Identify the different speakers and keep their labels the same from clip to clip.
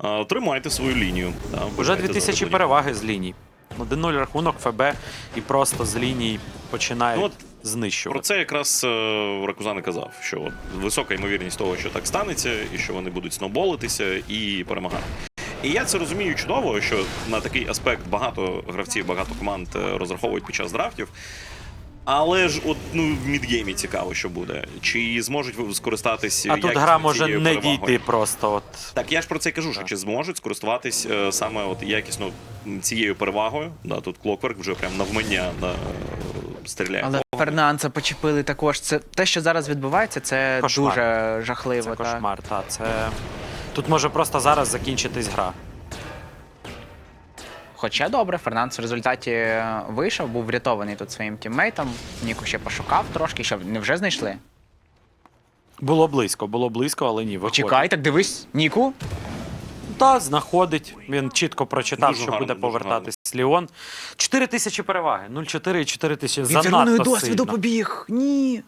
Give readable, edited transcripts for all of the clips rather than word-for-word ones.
Speaker 1: тримайте свою лінію.
Speaker 2: Уже 2000 переваги з ліній. 1-0 рахунок, ФБ і просто з ліній починають знищувати.
Speaker 1: Про це якраз Ракузан і казав, що от висока ймовірність того, що так станеться, і що вони будуть сноуболитися і перемагати. І я це розумію чудово, що на такий аспект багато гравців, багато команд розраховують під час драфтів. Але ж от, в мідгеймі цікаво, що буде. Чи зможуть скористатись
Speaker 2: а тут гра може не дійти просто. От.
Speaker 1: Так, я ж про це і кажу, що чи зможуть скористуватись саме от якісно цією перевагою. Да, тут Clockwork вже прям навмання стріляє.
Speaker 3: Але Фернанца почепили також. Це те, що зараз відбувається, це
Speaker 2: кошмар.
Speaker 3: Дуже жахливо.
Speaker 2: Це кошмар, так. Це... Тут може просто зараз закінчитись гра.
Speaker 3: Хоча добре, Фернандес в результаті вийшов, був врятований тут своїм тіммейтом. Ніку ще пошукав трошки, що не вже знайшли?
Speaker 2: Було близько, але ні, виходить.
Speaker 3: Чекай, так дивись, Ніку.
Speaker 2: Так, знаходить. Він чітко прочитав,
Speaker 1: Дуже
Speaker 2: що
Speaker 1: гарно,
Speaker 2: буде
Speaker 1: дуже
Speaker 2: повертатись Ліон. 4000 переваги. 0-4 і 4000.
Speaker 3: Він
Speaker 2: Занадто
Speaker 3: червоною
Speaker 2: сильно.
Speaker 3: досвіду побіг. Ні.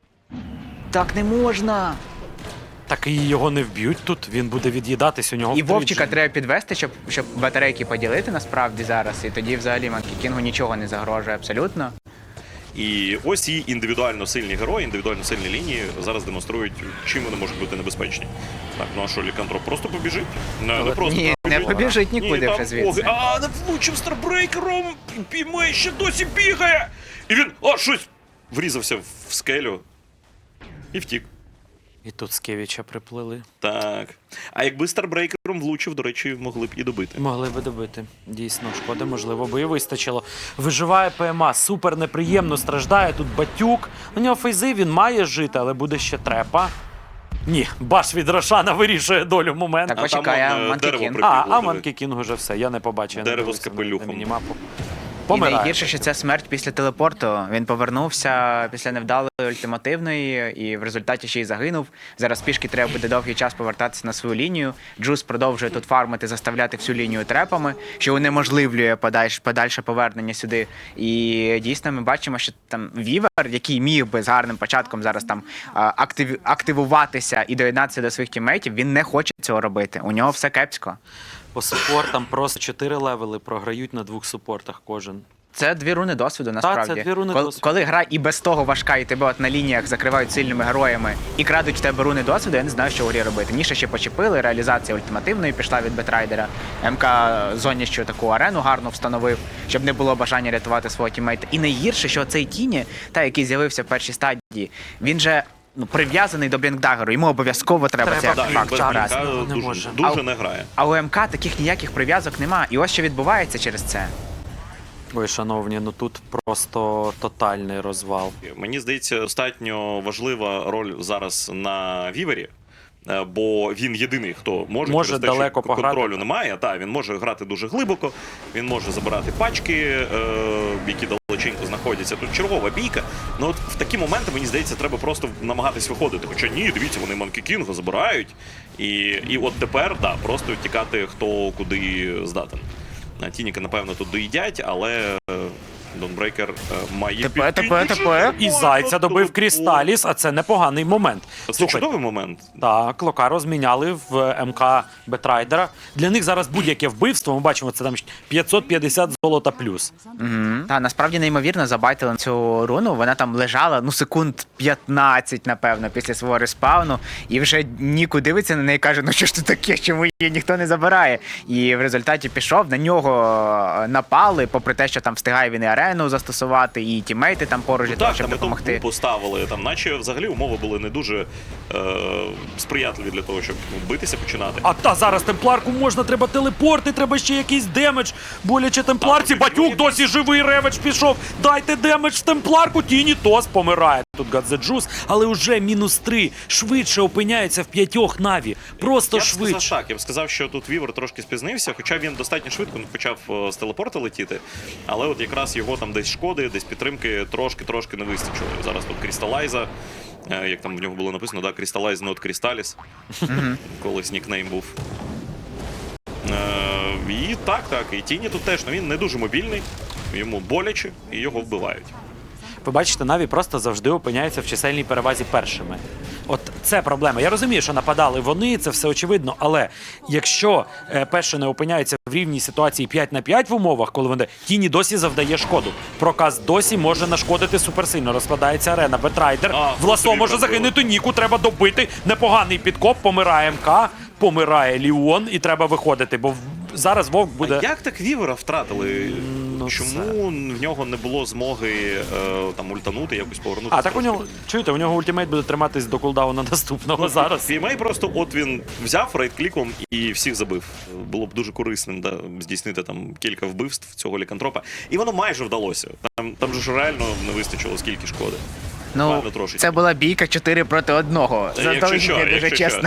Speaker 3: Так не можна.
Speaker 2: Так і його не вб'ють тут, він буде від'їдатись, у нього
Speaker 3: І
Speaker 2: втричі.
Speaker 3: Вовчика треба підвести, щоб батарейки поділити насправді зараз. І тоді взагалі Манкі Кінгу нічого не загрожує абсолютно.
Speaker 1: І ось ці індивідуально сильні герої, індивідуально сильні лінії зараз демонструють, чим вони можуть бути небезпечні. Так, ну а що, Лікантроп просто побіжить? Не просто
Speaker 3: Ні, не побіжить нікуди вже звідси.
Speaker 1: Не влучив старбрейкером, Пімей ще досі бігає! І він, щось, врізався в скелю і втік.
Speaker 2: І тут Скевіча приплили.
Speaker 1: Так. А якби старбрейкером влучив, до речі, могли б і добити.
Speaker 2: Могли би добити. Дійсно, шкоди, можливо, би і вистачило. Виживає ПМА, супер неприємно страждає. Тут Батюк. У нього фейзи, він має жити, але буде ще трепа. Ні, баш від Рошана вирішує долю моменту.
Speaker 3: Так, почекай,
Speaker 1: там,
Speaker 3: Манкі
Speaker 1: дерево
Speaker 3: Кінг.
Speaker 1: прикріпло,
Speaker 2: А
Speaker 1: диви.
Speaker 2: Манкі Кінг уже все, я не побачив. я не
Speaker 1: Дерево
Speaker 2: дивився
Speaker 1: з капелюхом.
Speaker 2: на мінімапу.
Speaker 3: І
Speaker 2: Помирає.
Speaker 3: найгірше, що це смерть після телепорту. Він повернувся після невдалої ультимативної і в результаті ще й загинув. Зараз пішки треба буде довгий час повертатися на свою лінію. Джус продовжує тут фармити, заставляти всю лінію трепами, що унеможливлює подальше повернення сюди. І дійсно ми бачимо, що там Вівер, який міг би з гарним початком зараз там активуватися і доєднатися до своїх тіммейтів, він не хоче цього робити. У нього все кепсько.
Speaker 2: По супортам просто 4 левели програють на 2 супортах кожен.
Speaker 3: Це 2 руни досвіду, насправді.
Speaker 2: це 2 руни
Speaker 3: коли,
Speaker 2: досвіду.
Speaker 3: Коли гра і без того важка, і тебе от на лініях закривають сильними героями і крадуть в тебе руни досвіду, я не знаю, що в грі робити. Ніша ще почепили, реалізація ультимативної пішла від Бетрайдера. МК зоніщу таку арену гарно встановив, щоб не було бажання рятувати свого тіммейта. І найгірше, що цей Тіні, який з'явився в першій стадії, він же прив'язаний до Блінкдагеру, йому обов'язково треба цей
Speaker 1: Да,
Speaker 3: артефакт
Speaker 1: без
Speaker 3: забрати.
Speaker 1: Блінка
Speaker 2: не може.
Speaker 1: дуже не грає.
Speaker 3: А у МК таких ніяких прив'язок нема. І ось що відбувається через це.
Speaker 2: Ой, шановні, ну тут просто тотальний розвал.
Speaker 1: Мені здається, достатньо важлива роль зараз на Вівері, бо він єдиний, хто може через те,
Speaker 2: далеко
Speaker 1: що
Speaker 2: пограти.
Speaker 1: контролю немає. Та, він може грати дуже глибоко, він може забирати пачки, які далеченько знаходяться. Тут чергова бійка. Ну от в такі моменти, мені здається, треба просто намагатись виходити. Хоча ні, дивіться, вони Манкі Кінга забирають. І от тепер, просто тікати хто куди здатен. Тініка, напевно, тут доїдять, але Донбрейкер має
Speaker 3: Тепер.
Speaker 2: І Зайця добив Крісталіс, а це непоганий момент.
Speaker 1: Це чудовий момент.
Speaker 2: Так, Лока розміняли в МК Бетрайдера. Для них зараз будь-яке вбивство, ми бачимо, це там 550 золота плюс.
Speaker 3: Та насправді неймовірно забайтили цю руну. Вона там лежала секунд 15, напевно, після свого респауну. І вже Ніку дивиться на неї і каже: ну що ж це таке, чому її ніхто не забирає? І в результаті пішов, на нього напали, попри те, що там встигає він і арену застосувати, і тімейти там поруч для того, щоб допомогти.
Speaker 1: Поставили, там наче взагалі умови були не дуже сприятливі для того, щоб битися починати.
Speaker 2: А зараз темпларку можна, треба телепорти, треба ще якийсь демедж. Боляче темпларці, Батюк досі живий, реведж пішов. Дайте демедж в темпларку, Тіні Тос помирає. Тут Гадзеджус, але уже -3. Швидше опиняється в 5 Наві. Просто швидше.
Speaker 1: Я б сказав, що тут Вівер трошки спізнився, хоча він достатньо швидко почав з телепорта летіти, але от якраз його там десь шкоди, десь підтримки трошки не вистачило. Зараз тут Крісталайза, як там в нього було написано, да, Крісталайз, not Крісталіс, колись нікнейм був. І так, і Тіні тут теж, він не дуже мобільний, йому боляче і його вбивають.
Speaker 2: Ви бачите, Наві просто завжди опиняються в чисельній перевазі першими. От Це проблема. Я розумію, що нападали вони, це все очевидно, але якщо Пешини опиняються в рівній ситуації 5 на 5 в умовах, коли вони Тіні досі завдає шкоду. Проказ досі може нашкодити суперсильно. Розкладається арена. Бетрайдер. В ласо може загинути. Ніку треба добити. Непоганий підкоп. Помирає МК. Помирає Ліон. І треба виходити, бо зараз Вовк буде...
Speaker 1: А як так Вівера втратили?
Speaker 2: Ну,
Speaker 1: Чому в нього не було змоги там ультанути, якось повернутися?
Speaker 2: А так у нього, чуєте, у нього ультимейт буде триматись до кулдауна наступного зараз.
Speaker 1: PMA просто от він взяв рейд-кліком і всіх забив. Було б дуже корисним, да, здійснити там кілька вбивств цього лікантропа. І воно майже вдалося. Там же ж реально не вистачило скільки шкоди.
Speaker 3: Ну,
Speaker 1: Буквально трошечки.
Speaker 3: це була бійка 4 проти 1. Заздалегідь не дуже чесно.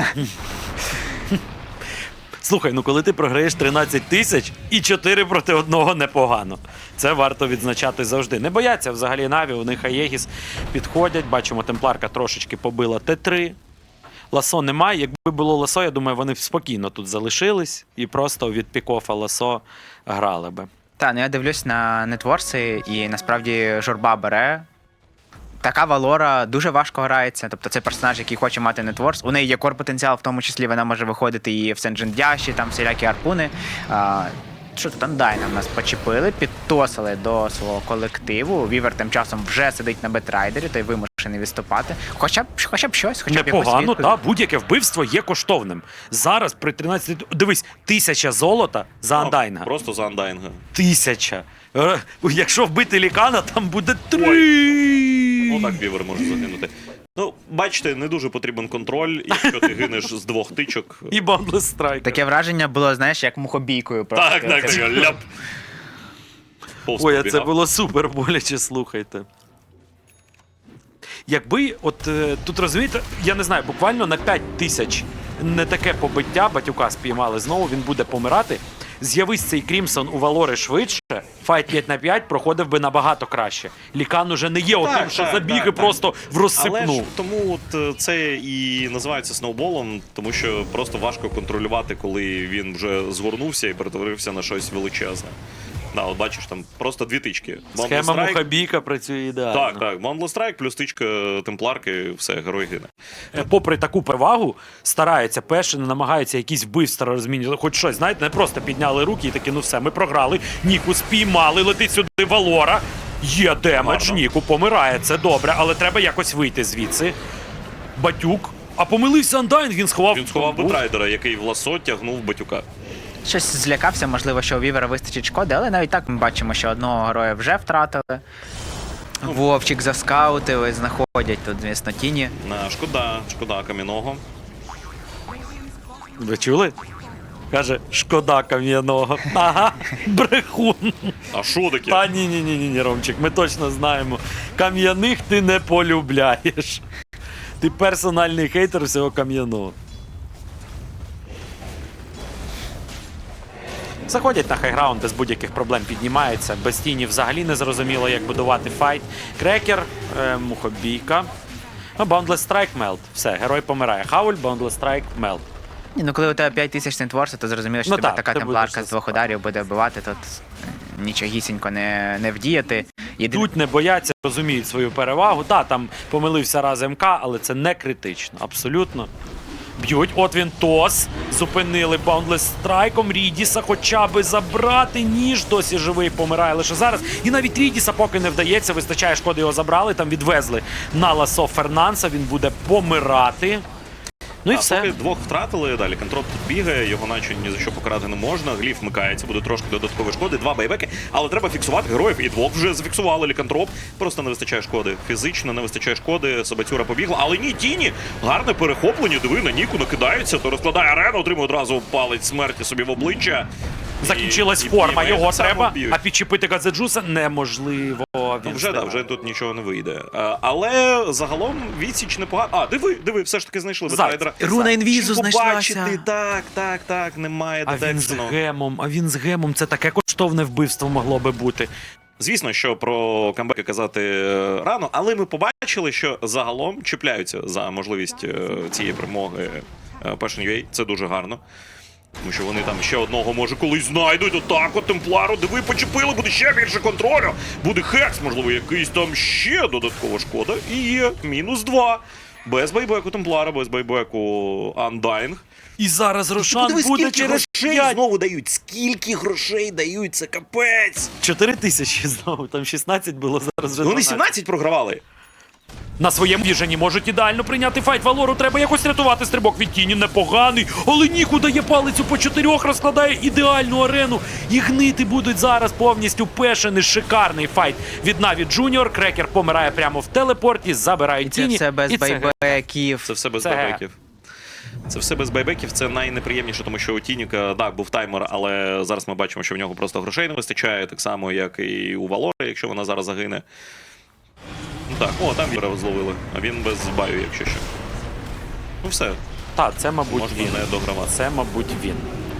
Speaker 2: Слухай, ну коли ти програєш 13 тисяч і 4 проти 1 непогано. Це варто відзначати завжди. Не бояться взагалі Наві, у них Аєгіс підходять. Бачимо, Темпларка трошечки побила Т3. Ласо немає. Якби було Ласо, я думаю, вони б спокійно тут залишились і просто від пікофа Ласо грали би.
Speaker 3: Та, ну я дивлюсь на нетворси, і насправді журба бере. Така Валора дуже важко грається, тобто це персонаж, який хоче мати нетворс. У неї є кор-потенціал, в тому числі вона може виходити і в Сенджендяші, там всілякі арпуни. Що тут Андайна в нас почепили, підтосили до свого колективу. Вівер тим часом вже сидить на Бетрайдері, той вимушений відступати. Хоча б щось, хоча б якусь
Speaker 2: Непогано,
Speaker 3: відповідь.
Speaker 2: та будь-яке вбивство є коштовним. Зараз при 13... Дивись, 1000 золота за Андайнга.
Speaker 1: Просто за Андайнга.
Speaker 2: 1000. Якщо вбити Лікана, там буде 3.
Speaker 1: Ну так Вівер може загинути. Ну, бачите, не дуже потрібен контроль, якщо ти гинеш з 2 тичок.
Speaker 2: І Boundless Strike.
Speaker 3: Таке враження було, знаєш, як мухобійкою. Просто.
Speaker 1: Так, ляп. Повз
Speaker 2: Ой, а це
Speaker 1: пробігав.
Speaker 2: було супер боляче, слухайте. Якби, от тут розумієте, я не знаю, буквально на 5000 не таке побиття батюка спіймали знову, він буде помирати. З'явись цей Крімсон у Валори швидше, файт 5 на 5 проходив би набагато краще. Лікан уже не є отим, що забіги просто в розсипну.
Speaker 1: Але ж тому от це і називається сноуболом, тому що просто важко контролювати, коли він вже згорнувся і перетворився на щось величезне. Да, от бачиш, там просто 2 тички.
Speaker 2: Схема мухабійка працює ідеально.
Speaker 1: Так. Boundless Strike плюс тичка Темпларки, все, герой гине.
Speaker 2: Попри таку перевагу, стараються Пешини, намагаються якісь вбивства розмінювати, хоч щось, знаєте, не просто підняли руки і такі, ну все, ми програли, Ніку спіймали, летить сюди Валора, є демедж,
Speaker 1: Гарно.
Speaker 2: Ніку помирає, це добре, але треба якось вийти звідси. Батюк, а помилився Андайн, він сховав
Speaker 1: Бетрайдера, який в ласо тягнув батюка.
Speaker 3: Щось злякався, можливо, що у Вівера вистачить шкоди, але навіть так ми бачимо, що одного героя вже втратили. Вовчик заскаутили, знаходять тут, звісно, Тіні.
Speaker 1: Шкода кам'яного.
Speaker 2: Ви чули? Каже, шкода кам'яного. Ага, брехун.
Speaker 1: А що таке?
Speaker 2: Та ні, Ромчик, ми точно знаємо. Кам'яних ти не полюбляєш. Ти персональний хейтер всього кам'яного. Заходять на хайграунд, без будь-яких проблем піднімаються. Без тіні взагалі не зрозуміло, як будувати файт. Крекер, мухобійка. Boundless Strike, мелт. Все, герой помирає. Хауль, Boundless Strike, мелт.
Speaker 3: Ні, ну коли у тебе 5000 нетворсу, то зрозуміло, що
Speaker 2: Ну
Speaker 3: тебе
Speaker 2: так,
Speaker 3: така
Speaker 2: ти
Speaker 3: темпларка
Speaker 2: будеш
Speaker 3: з 2 ударів буде вбивати, тут нічогісінько не вдіяти.
Speaker 2: Тут не бояться, розуміють свою перевагу. Так, там помилився раз МК, але це не критично. Абсолютно. Б'ють, от він тос. Зупинили Boundless Strike'ом Рідіса, хоча би забрати. Ніж досі живий, помирає лише зараз. І навіть Рідіса поки не вдається, вистачає шкоди, його забрали, там відвезли на ласо Фернанса, він буде помирати. Ну і все.
Speaker 1: Поки 2 втратили, далі контроп тут бігає, його наче ні за що покарати не можна. Гліф вмикається, буде трошки додаткової шкоди, 2 байбеки, але треба фіксувати героїв. І 2 вже зафіксували лікантроп. Просто не вистачає шкоди. Фізично не вистачає шкоди, Собацюра побігла. Але ні, Тіні, гарне перехоплення, диви, на Ніку накидається, то розкладає арену, отримує одразу палець смерті собі в обличчя.
Speaker 2: Закінчилась форма, його треба, а підчепити Гадзеджуса неможливо.
Speaker 1: Вже тут нічого не вийде. Але загалом відсіч непогано. А, диви, все ж таки знайшли Бетрайдера.
Speaker 3: Руна інвізу знайшлася.
Speaker 1: Побачити, так, немає
Speaker 2: А він з
Speaker 1: дедексону.
Speaker 2: гемом, це таке коштовне вбивство могло би бути.
Speaker 1: Звісно, що про камбеки казати рано, але ми побачили, що загалом чіпляються за можливість цієї перемоги Passion.ua. Це дуже гарно. Тому що вони там ще одного, може, колись знайдуть. Отак от Темплару, диви, почепили, буде ще більше контролю. Буде хекс, можливо, якийсь там ще додаткова шкода. І є -2. Без байбеку Темплара, без байбеку Undying.
Speaker 2: І зараз Рошан
Speaker 1: Подивись,
Speaker 2: буде
Speaker 1: скільки
Speaker 2: через
Speaker 1: грошей
Speaker 2: 5.
Speaker 1: знову дають. Скільки грошей дають, це капець.
Speaker 2: 4 тисячі знову, там 16 було, зараз вже
Speaker 1: Вони
Speaker 2: 12.
Speaker 1: 17 програвали.
Speaker 2: На своєму віжені можуть ідеально прийняти файт. Валору треба якось рятувати. Стрибок від тіні непоганий. Але Ніку дає палицю по 4, розкладає ідеальну арену. І гнити будуть зараз повністю пешений. Шикарний файт від Наві Джуніор. Крекер помирає прямо в телепорті, забирають
Speaker 3: Це
Speaker 2: тіні.
Speaker 3: все без
Speaker 2: і це
Speaker 3: байбеків.
Speaker 1: Це все без
Speaker 2: Це
Speaker 1: байбеків. Це все без байбеків, це найнеприємніше, тому що у Тініка, так, був таймер, але зараз ми бачимо, що в нього просто грошей не вистачає, так само, як і у Валори, якщо вона зараз загине. Ну так, о, там Віра зловили, а він без баю, якщо що. Ну все,
Speaker 2: Та, це, мабуть,
Speaker 1: можна
Speaker 2: він.
Speaker 1: не догравати.
Speaker 2: Це, мабуть, він.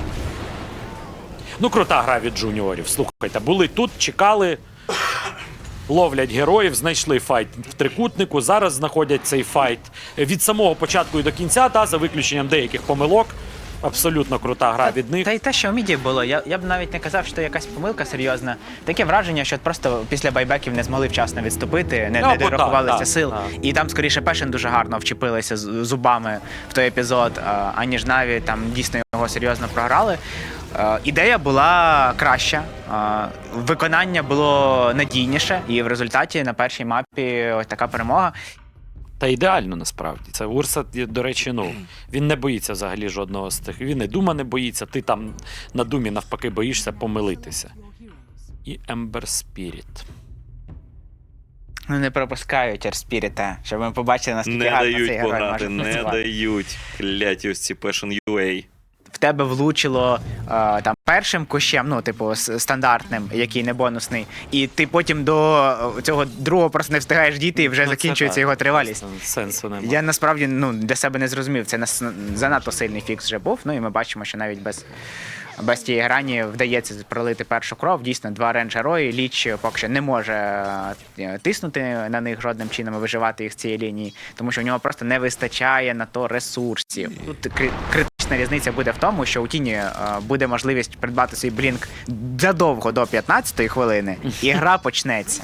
Speaker 2: Ну, крута гра від джуніорів. Слухайте, були тут, чекали, ловлять героїв, знайшли файт в трикутнику, зараз знаходять цей файт від самого початку і до кінця, та, за виключенням деяких помилок. Абсолютно крута гра від них.
Speaker 3: Та й те, що в міді було, я б навіть не казав, що якась помилка серйозна. Таке враження, що просто після байбеків не змогли вчасно відступити, не
Speaker 2: бо
Speaker 3: дорахувалися
Speaker 2: так,
Speaker 3: сил.
Speaker 2: так.
Speaker 3: І там, скоріше, Пешен дуже гарно вчепилися зубами в той епізод, аніж Наві там дійсно його серйозно програли. Ідея була краща, виконання було надійніше, і в результаті на першій мапі ось така перемога.
Speaker 2: Та ідеально насправді. Це Урса, до речі, ну, він не боїться взагалі жодного з тих. Він і Дума не боїться, ти там на Думі навпаки боїшся помилитися. І Ембер Спіріт.
Speaker 3: Ну, не пропускають Ерспіріта, щоб ми побачили, наскільки
Speaker 1: Не
Speaker 3: гарно цей
Speaker 1: дають
Speaker 3: герой
Speaker 1: пограти,
Speaker 3: може
Speaker 1: не
Speaker 3: працювати.
Speaker 1: дають. Кляті ось ці Passion UA.
Speaker 3: В тебе влучило там першим кущем, ну, типу, стандартним, який не бонусний, і ти потім до цього другого просто не встигаєш дійти і вже
Speaker 2: Ну, це
Speaker 3: закінчується
Speaker 2: так.
Speaker 3: його тривалість.
Speaker 2: Сенсу немає.
Speaker 3: Я насправді для себе не зрозумів. Це занадто сильний фікс вже був. Ну і ми бачимо, що навіть без тієї грані вдається пролити першу кров. Дійсно, 2 рейндж-герої. Ліч поки що не може тиснути на них жодним чином і виживати їх з цієї лінії, тому що в нього просто не вистачає на то ресурсів. Тут критична різниця буде в тому, що у Тіні буде можливість придбати свій блінк задовго до 15-ї хвилини, і гра почнеться.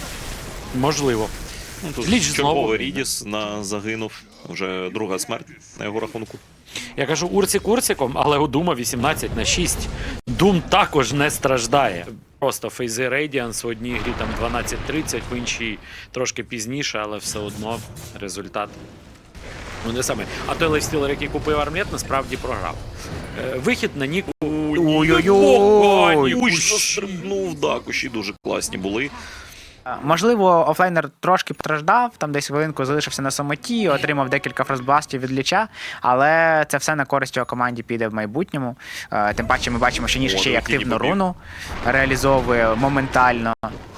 Speaker 1: Ну,
Speaker 2: Можливо.
Speaker 1: тут
Speaker 2: Ліч знову.
Speaker 1: черговий Рідіс загинув. Вже друга смерть на його рахунку.
Speaker 2: Я кажу Урці Курциком, але у Дума 18/6. Дум також не страждає. Просто фейзи Radiance в одній грі там 12:30, в іншій трошки пізніше, але все одно результат. Ну, не саме. А той лайфстілер, який купив армлет, насправді програв. Вихід на Ніку.
Speaker 3: Ой-ой-ой!
Speaker 1: Кущ застрибнув, да, кущі дуже класні були.
Speaker 3: Можливо, офлейнер трошки постраждав, там десь хвилинку залишився на самоті, отримав декілька фростбластів від Ліча, але це все на користь його команді піде в майбутньому. Тим паче ми бачимо, що Ніж ще й активну руну реалізовує моментально.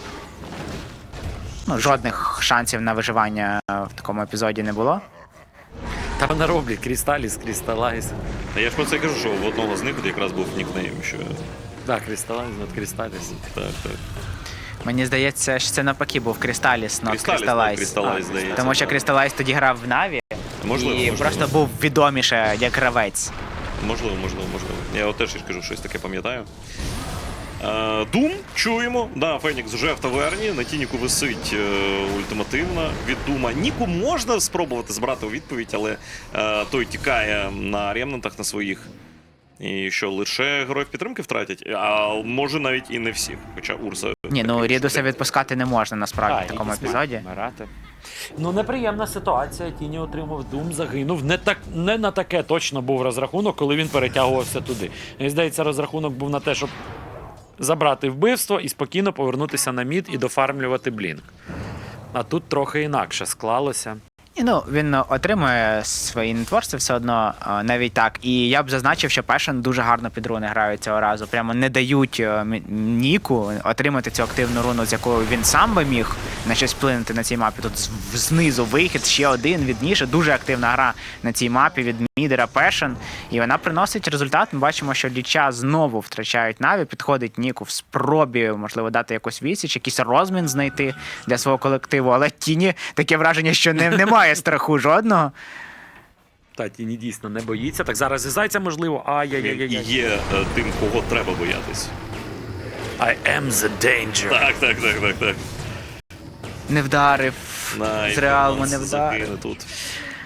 Speaker 3: Ну, жодних шансів на виживання в такому епізоді не було.
Speaker 2: Та вона роблять Крісталіс, Крісталайз.
Speaker 1: А я ж про це кажу, що в одного з них якраз був нікнейм, що
Speaker 2: Так, Крісталайз, над Крісталіс.
Speaker 1: так.
Speaker 3: Мені здається, що це навпаки був Крісталіс, not
Speaker 1: Crystallis,
Speaker 3: Crystallize.
Speaker 1: здається.
Speaker 3: Тому що Crystallize тоді грав в Наві
Speaker 1: Можливо.
Speaker 3: просто був відоміше як гравець.
Speaker 1: Можливо. Я от теж кажу, щось таке пам'ятаю. Дум, чуємо. Да, Фенікс вже в таверні, на Тініку висить ультимативна від Дума. Ніку можна спробувати збирати у відповідь, але той тікає на ремнантах на своїх. І що, лише героїв підтримки втратять? А може навіть і не всіх. Хоча Урса...
Speaker 3: Ні, ну Рідуса відпускати не можна насправді в такому
Speaker 2: Рідус
Speaker 3: епізоді.
Speaker 2: вмирати. Ну, неприємна ситуація. Тіні отримав Дум, загинув. Не на таке точно був розрахунок, коли він перетягувався туди. Мені здається, розрахунок був на те, щоб забрати вбивство і спокійно повернутися на мід і дофармлювати блінк. А тут трохи інакше склалося.
Speaker 3: І, ну, він отримує свої нетворці все одно, навіть так. І я б зазначив, що Пешен дуже гарно під руни грають цього разу. Прямо не дають Ніку отримати цю активну руну, з якою він сам би міг на щось вплинути на цій мапі. Тут знизу вихід, ще один від Ніша. Дуже активна гра на цій мапі від мідера Пешен. І вона приносить результат. Ми бачимо, що Ліча знову втрачають Наві. Підходить Ніку в спробі, можливо, дати якусь відсіч, якийсь розмін знайти для свого колективу. Але Тіні таке враження, що немає страху жодного.
Speaker 2: Та Тіні дійсно не боїться. Так зараз і Зайця можливо.
Speaker 1: І
Speaker 2: Ай-яй-яй.
Speaker 1: є тим, кого треба боятись.
Speaker 2: I am the danger.
Speaker 1: Так.
Speaker 3: Не вдарив. З реалму не вдарив.
Speaker 1: загине тут.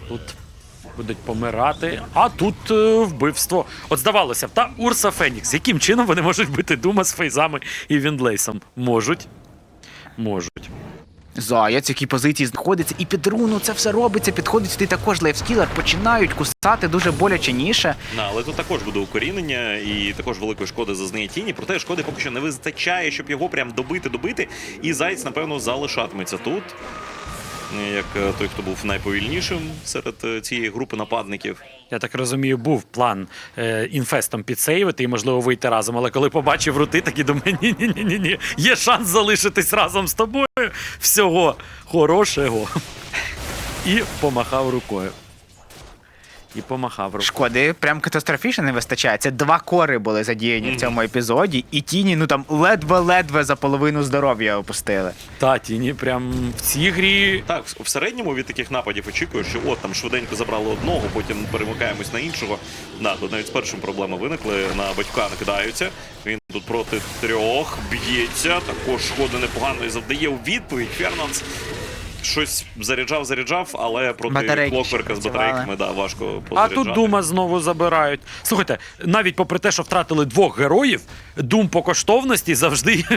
Speaker 2: Тут будуть помирати, а тут вбивство. От здавалося б, та Урса Фенікс. Яким чином вони можуть бити Дума з фейзами і Віндлейсом? Можуть. Можуть.
Speaker 3: Заяць, які позиції знаходиться, і під руну це все робиться, підходить сюди також лайфскілер, починають кусати дуже боляче ніше.
Speaker 1: Але тут також буде укорінення і також великої шкоди зазнає Тіні, проте шкоди поки що не вистачає, щоб його прям добити, і Заєць, напевно, залишатиметься тут. Як той, хто був найповільнішим серед цієї групи нападників.
Speaker 2: Я так розумію, був план інфестом підсейвити і, можливо, вийти разом. Але коли побачив рути, такі думаю, ні-ні-ні, є шанс залишитись разом з тобою. Всього хорошого. І помахав рукою.
Speaker 3: Шкоди прям катастрофічно не вистачає. Це 2 кори були задіяні в цьому епізоді, і Тіні, ну там ледве-ледве за половину здоров'я опустили.
Speaker 2: Та, Тіні прям в цій грі...
Speaker 1: Так, в середньому від таких нападів очікуєш, що от там швиденько забрали одного, потім перемикаємось на іншого. Да, тут навіть з першим проблеми виникли, на батька накидаються. Він тут проти 3 б'ється, також шкоди непогано і завдає у відповідь. Фернанс щось заряджав, але проти Клокверка з батарейками, да, важко позаряджати.
Speaker 2: А тут Дума знову забирають. Слухайте, навіть попри те, що втратили 2 героїв, Дум по коштовності завжди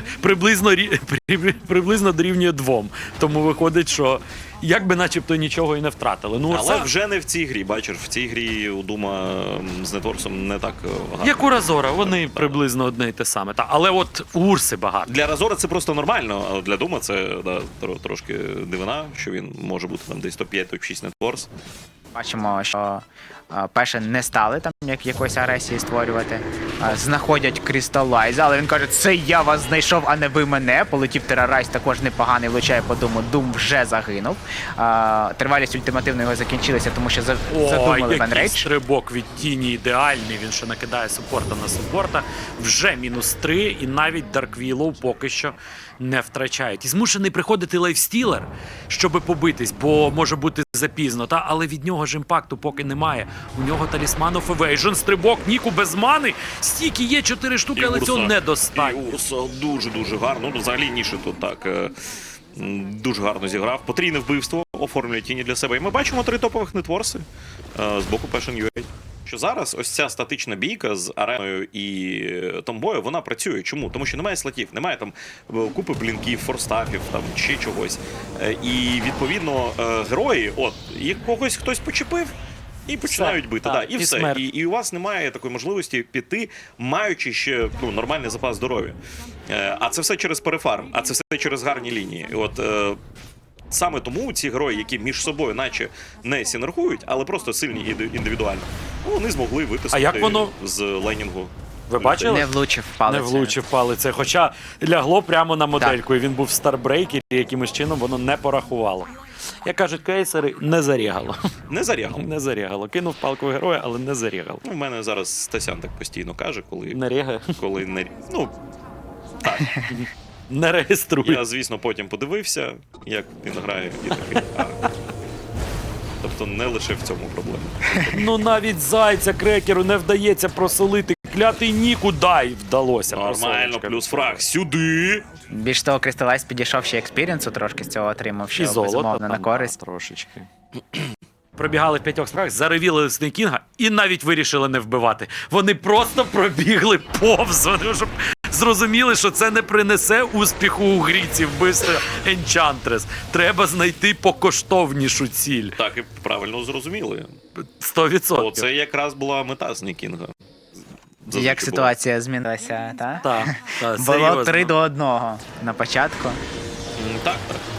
Speaker 2: приблизно дорівнює 2. Тому виходить, що якби начебто нічого і не втратили. Ну,
Speaker 1: але вже не в цій грі, бачиш, в цій грі у Дума з Нетворсом не так гарно.
Speaker 2: Як у Разора, вони приблизно одне й те саме. Але от у Урси багато.
Speaker 1: Для Разора це просто нормально, а для Дума це трошки дивина, що він може бути там десь топ-5, топ-6 Нетворс.
Speaker 3: Бачимо, що Пешен не стали там якоїсь агресії створювати. Знаходять Крісталайза, але він каже, це я вас знайшов, а не ви мене. Полетів Террорайз, також непоганий, влучає по Думу. Дум вже загинув. Тривалість ультимативно його закінчилася, тому що задумали Венрейдж.
Speaker 2: Який стрибок від Тіні ідеальний. Він ще накидає супорта на супорта. Вже -3, і навіть Дарквілоу поки що не втрачають. І змушений приходити лайфстілер, щоб побитись, бо може бути запізно. Але від нього ж імпакту поки немає. У нього талісман of Evasion, стрибок Ніку без мани. Стільки є 4 штуки, але цього недостатньо.
Speaker 1: І Урса дуже-дуже гарно. Ну, взагалі Ніше тут так дуже гарно зіграв. Потрійне вбивство оформлює Тіні для себе. І ми бачимо 3 топових нетворси з боку Passion.ua. Що зараз ось ця статична бійка з Ареною і Томбою, вона працює. Чому? Тому що немає слотів, немає там купи блінків, форстафів там чи чогось. І відповідно герої, от, їх когось хтось почепив, і починають бити.
Speaker 2: Так,
Speaker 1: і все. І у вас немає такої можливості піти, маючи ще нормальний запас здоров'я. А це все через перефарм, а це все через гарні лінії. І от саме тому ці герої, які між собою наче не синергують, але просто сильні індивідуально, вони змогли витиснути з лейнінгу.
Speaker 2: Ви бачили?
Speaker 3: Не влучив палицею.
Speaker 2: Не влучив палицею, хоча лягло прямо на модельку, і він був в старбрейкері, і якимось чином воно не порахувало. Як кажуть кейсери, не зарігало.
Speaker 1: Не зарягало.
Speaker 2: Не зарігало. Кинув палку героя, але не зарігало.
Speaker 1: У мене зараз Стасян так постійно каже, коли...
Speaker 2: Не рігає?
Speaker 1: Коли не... Ну, так.
Speaker 2: Не реєструє.
Speaker 1: Я, звісно, потім подивився, як він грає, і такий, Тобто не лише в цьому проблема.
Speaker 2: Ну навіть Зайця Крекеру не вдається просолити. Клятий Ніку, дай, вдалося.
Speaker 1: Нормально, плюс фраг сюди.
Speaker 3: Більш того, Крісталайз підійшов ще експірієнсу трошки з цього отримав, що
Speaker 2: і золото,
Speaker 3: безумовно на користь.
Speaker 2: Трошечки. Пробігали в 5 справах, заревіли Снейкінга і навіть вирішили не вбивати. Вони просто пробігли повз. Вони вже зрозуміли, що це не принесе успіху у грі ці вбивства Енчантрес. Треба знайти покоштовнішу ціль.
Speaker 1: Так, і правильно зрозуміли.
Speaker 2: 100%.
Speaker 1: Оце якраз була мета Снейкінга.
Speaker 3: Як ситуація змінилася, так?
Speaker 2: Так,
Speaker 3: Було
Speaker 2: серйозно.
Speaker 3: 3-1 на початку.
Speaker 1: Так.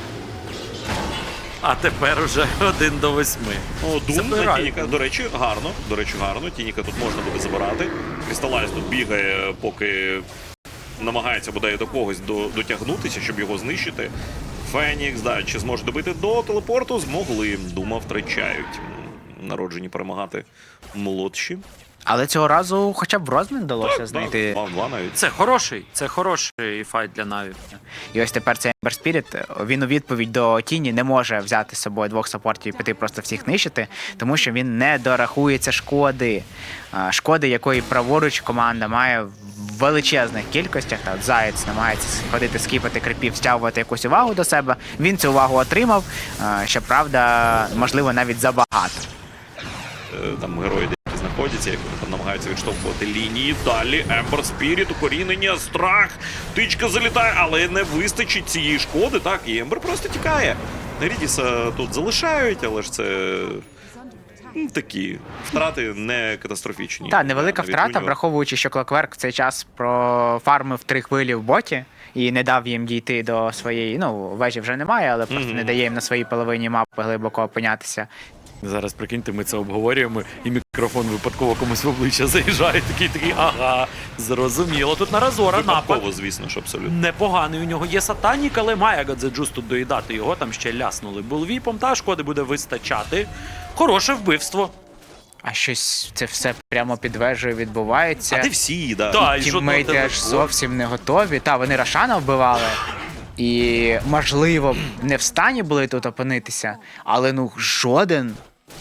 Speaker 2: А тепер уже 1-8.
Speaker 1: О, Дум на Тініка, до речі, гарно. Тініка тут можна буде забирати. Крісталайз тут бігає, поки намагається бодай до когось дотягнутися, щоб його знищити. Фенікс, чи зможе добити до телепорту? Змогли. Дума втрачають. Народжені перемагати молодші.
Speaker 3: Але цього разу хоча б розмін вдалося знайти.
Speaker 1: 2-2 навіть.
Speaker 2: Це хороший файт для Наві.
Speaker 3: І ось тепер цей Ember Spirit, він у відповідь до Тіні не може взяти з собою 2 саппортів і піти просто всіх нищити, тому що він не дорахується шкоди. Шкоди, якої праворуч команда має величезних кількостях. Та от Заєць намагається ходити, скіпати крипів, стягувати якусь увагу до себе. Він цю увагу отримав, щоправда, можливо, навіть забагато.
Speaker 1: Там герої деякі знаходяться, як вони там намагаються відштовхувати лінії. Далі Ембер Спіріт, укорінення, страх, тичка залітає, але не вистачить цієї шкоди, так, і Ембер просто тікає. Рідіса тут залишають, але ж це такі втрати не катастрофічні.
Speaker 3: Так, невелика
Speaker 1: Навіть
Speaker 3: втрата,
Speaker 1: у нього.
Speaker 3: враховуючи, що Clockwork в цей час профармив 3 хвилі в боті і не дав їм дійти до своєї, вежі вже немає, але просто не дає їм на своїй половині мапи глибоко опинятися.
Speaker 2: Зараз, прикиньте, ми це обговорюємо, і мікрофон випадково комусь в обличчя заїжджає, такий, ага, зрозуміло. Тут на Разора напад.
Speaker 1: Випадково, звісно, що абсолютно.
Speaker 2: Непоганий у нього є сатанік, але має Гадзеджус тут доїдати його, там ще ляснули булвіпом, та шкоди буде вистачати. Хороше вбивство.
Speaker 3: А щось це все прямо під вежею відбувається.
Speaker 1: А де всі, да.
Speaker 2: Так, і жодного
Speaker 3: Тіммейти аж
Speaker 2: телепорту.
Speaker 3: зовсім не готові. Та, вони Рошана вбивали. І, можливо, не в стані були тут опинитися, але жоден.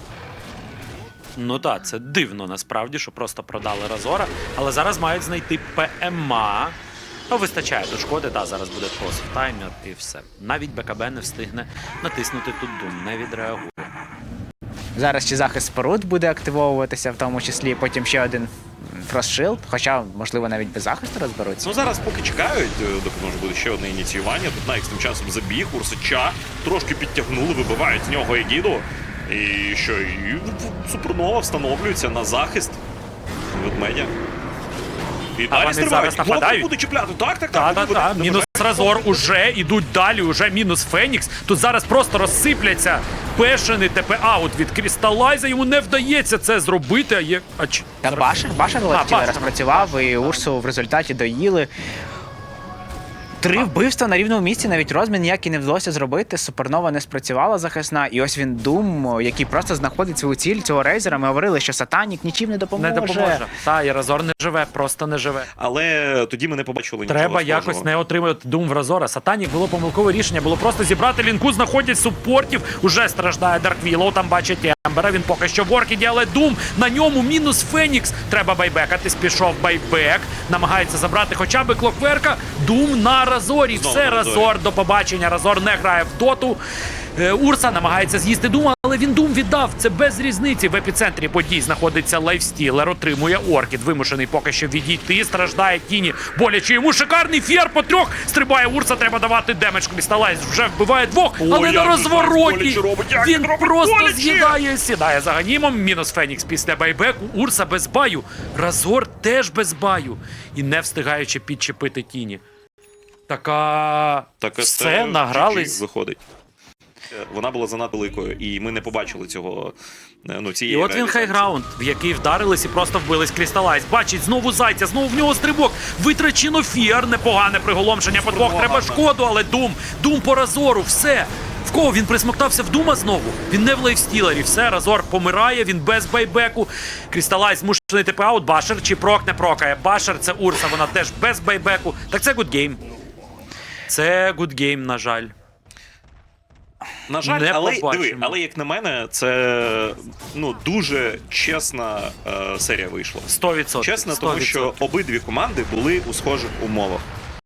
Speaker 2: Ну так, це дивно насправді, що просто продали Разора, але зараз мають знайти ПМА. Вистачає до шкоди, зараз буде тост таймер і все. Навіть БКБ не встигне натиснути тут Дум, не відреагує.
Speaker 3: Зараз ще захист споруд буде активовуватися, в тому числі потім ще один фростшилд, хоча, можливо, навіть без захисту розберуться.
Speaker 1: Ну зараз поки чекають, доки може буде ще одне ініціювання. Тут Найкс тим часом забіг, Урсача трошки підтягнули, вибивають з нього Егіду. І що, і Супернова встановлюється на захист ведмедя. І
Speaker 2: А вони зараз нападають?
Speaker 1: Буде чіпляти. Так.
Speaker 2: Так. Мінус Разор уже ідуть далі, уже мінус Фенікс. Тут зараз просто розсипляться пешений ТП-аут від Крісталайза. Йому не вдається це зробити, а є...
Speaker 3: Та Башер летіли,
Speaker 2: Башер.
Speaker 3: розпрацював, і Урсу в результаті доїли. 3 вбивства на рівному місці, навіть розмін ніякий не вдалося зробити. Супернова не спрацювала захисна, і ось він Дум, який просто знаходить свою ціль цього рейзера. Ми говорили, що Сатанік нічим не допоможе.
Speaker 2: Не допоможе. Та, і Разор не живе, просто не живе.
Speaker 1: Але тоді ми не побачили нічого
Speaker 2: Треба
Speaker 1: схожого.
Speaker 2: якось не отримати Дум в Разора. Сатанік було помилкове рішення, було просто зібрати лінку, знаходять супортів, уже страждає Дарквілоу, там бачить Ембера, він поки що в оркіді, але Дум на ньому мінус Фенікс. Треба байбекатись, пішов байбек, намагається забрати хоча б Клокверка. Дум на Разорі.
Speaker 1: Знову
Speaker 2: Все,
Speaker 1: на Разорі.
Speaker 2: Разор, до побачення. Разор не грає в доту. Урса намагається з'їсти Дума, але він Дум віддав. Це без різниці. В епіцентрі подій знаходиться Лайфстілер, отримує Оркід. Вимушений поки що відійти. Страждає Тіні. Боляче йому шикарний фєр по 3. Стрибає Урса, треба давати демедж. Крісталайз вже вбиває 2, але
Speaker 1: як
Speaker 2: на
Speaker 1: же
Speaker 2: розвороті
Speaker 1: боляче робить, як
Speaker 2: він
Speaker 1: робить
Speaker 2: просто
Speaker 1: боляче!
Speaker 2: з'їдає. Сідає за ганімом. Мінус Фенікс після байбеку. Урса без баю. Разор теж без баю. І не встигаючи підчепити Тіні. Така...
Speaker 1: Так,
Speaker 2: все,
Speaker 1: це
Speaker 2: награлись.
Speaker 1: виходить. Вона була занадто великою, і ми не побачили цього, цієї
Speaker 2: І от він
Speaker 1: реалізації.
Speaker 2: хайграунд, в який вдарились і просто вбились Крісталайз. Бачить знову Зайця, знову в нього стрибок. Витрачено фіар, непогане приголомшення по 2. Треба шкоду, але Дум по Разору, все. В кого він присмоктався в Дума знову? Він не в лайфстілері, все, Разор помирає, він без байбеку. Крісталайз змушений ТП-аут, Башер чи прок не прокає. Башер це Урса, вона теж без байбеку. Так це гудгейм. Це гудгейм, на жаль.
Speaker 1: На жаль,
Speaker 2: Не
Speaker 1: але
Speaker 2: побачимо.
Speaker 1: диви, але як на мене, це дуже чесна серія вийшла.
Speaker 2: 100%.
Speaker 1: Чесно, тому
Speaker 2: 100%.
Speaker 1: що обидві команди були у схожих умовах.